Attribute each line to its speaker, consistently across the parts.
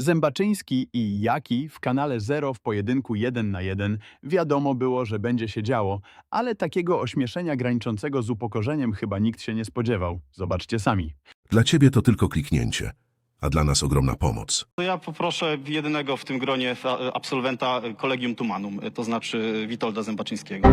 Speaker 1: Zębaczyński i Jaki w kanale Zero w pojedynku 1 na 1 wiadomo było, że będzie się działo, ale takiego ośmieszenia graniczącego z upokorzeniem chyba nikt się nie spodziewał. Zobaczcie sami.
Speaker 2: Dla ciebie to tylko kliknięcie, a dla nas ogromna pomoc.
Speaker 3: To ja poproszę jedynego w tym gronie absolwenta Collegium Tumanum, to znaczy Witolda Zębaczyńskiego.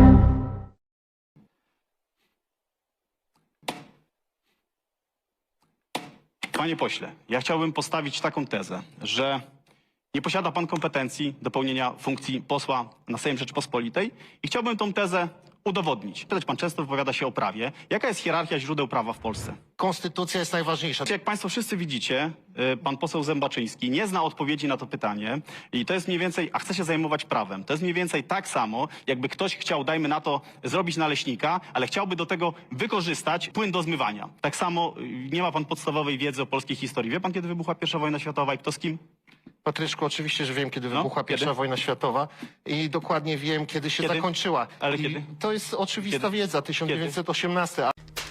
Speaker 3: Panie pośle, ja chciałbym postawić taką tezę, że nie posiada pan kompetencji do pełnienia funkcji posła na Sejm Rzeczypospolitej i chciałbym tą tezę udowodnić. Pan często wypowiada się o prawie. Jaka jest hierarchia źródeł prawa w Polsce?
Speaker 4: Konstytucja jest najważniejsza.
Speaker 3: Jak państwo wszyscy widzicie, pan poseł Zębaczyński nie zna odpowiedzi na to pytanie i to jest mniej więcej, a chce się zajmować prawem. To jest mniej więcej tak samo, jakby ktoś chciał, dajmy na to, zrobić naleśnika, ale chciałby do tego wykorzystać płyn do zmywania. Tak samo nie ma pan podstawowej wiedzy o polskiej historii. Wie pan, kiedy wybuchła I wojna światowa i kto z kim?
Speaker 4: Patryczku, oczywiście, że wiem, kiedy
Speaker 3: No,
Speaker 4: wybuchła
Speaker 3: kiedy?
Speaker 4: I wojna światowa i dokładnie wiem, kiedy się
Speaker 3: Kiedy?
Speaker 4: zakończyła.
Speaker 3: Ale
Speaker 4: I
Speaker 3: kiedy?
Speaker 4: to jest oczywista
Speaker 3: Kiedy?
Speaker 4: wiedza, 1918.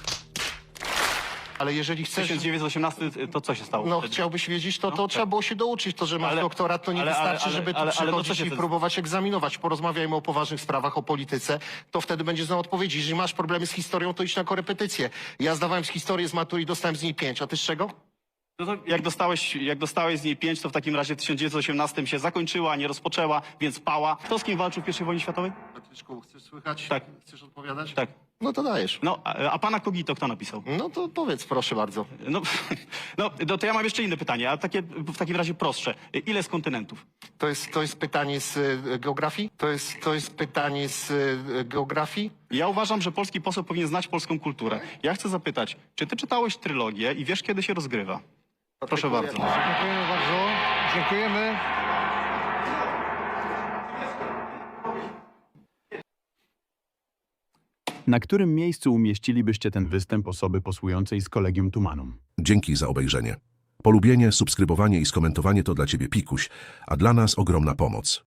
Speaker 4: Ale jeżeli chcesz...
Speaker 3: 1918 to co się stało?
Speaker 4: No,
Speaker 3: wtedy?
Speaker 4: chciałbyś wiedzieć, to
Speaker 3: tak.
Speaker 4: trzeba było się douczyć. To, że masz
Speaker 3: Ale-
Speaker 4: doktorat, to nie wystarczy, żeby tu
Speaker 3: to co
Speaker 4: przychodzić
Speaker 3: się
Speaker 4: i
Speaker 3: wtedy-
Speaker 4: próbować egzaminować. Porozmawiajmy o poważnych sprawach, o polityce, to wtedy będziesz znał odpowiedzi. Jeżeli masz problemy z historią, to idź na korepetycję. Ja zdawałem z historii z matury i dostałem z niej 5, a ty z czego?
Speaker 3: No to jak dostałeś z niej 5, to w takim razie w 1918 się zakończyła, a nie rozpoczęła, więc pała. Kto z kim walczył w I wojnie światowej?
Speaker 4: Patryczku, chcesz słychać?
Speaker 3: Tak.
Speaker 4: Chcesz odpowiadać?
Speaker 3: Tak.
Speaker 4: No to dajesz.
Speaker 3: No, a pana Kogito kto napisał?
Speaker 4: No to powiedz, proszę bardzo.
Speaker 3: No, to ja mam jeszcze inne pytanie, a takie w takim razie prostsze. Ile jest kontynentów?
Speaker 4: To jest pytanie z geografii? To jest pytanie z geografii?
Speaker 3: Ja uważam, że polski poseł powinien znać polską kulturę. Ja chcę zapytać, czy ty czytałeś trylogię i wiesz, kiedy się rozgrywa? Proszę bardzo.
Speaker 5: Dziękujemy bardzo. Dziękujemy.
Speaker 1: Na którym miejscu umieścilibyście ten występ osoby posłującej z Collegium Tumanum?
Speaker 2: Dzięki za obejrzenie. Polubienie, subskrybowanie i skomentowanie to dla ciebie pikuś, a dla nas ogromna pomoc.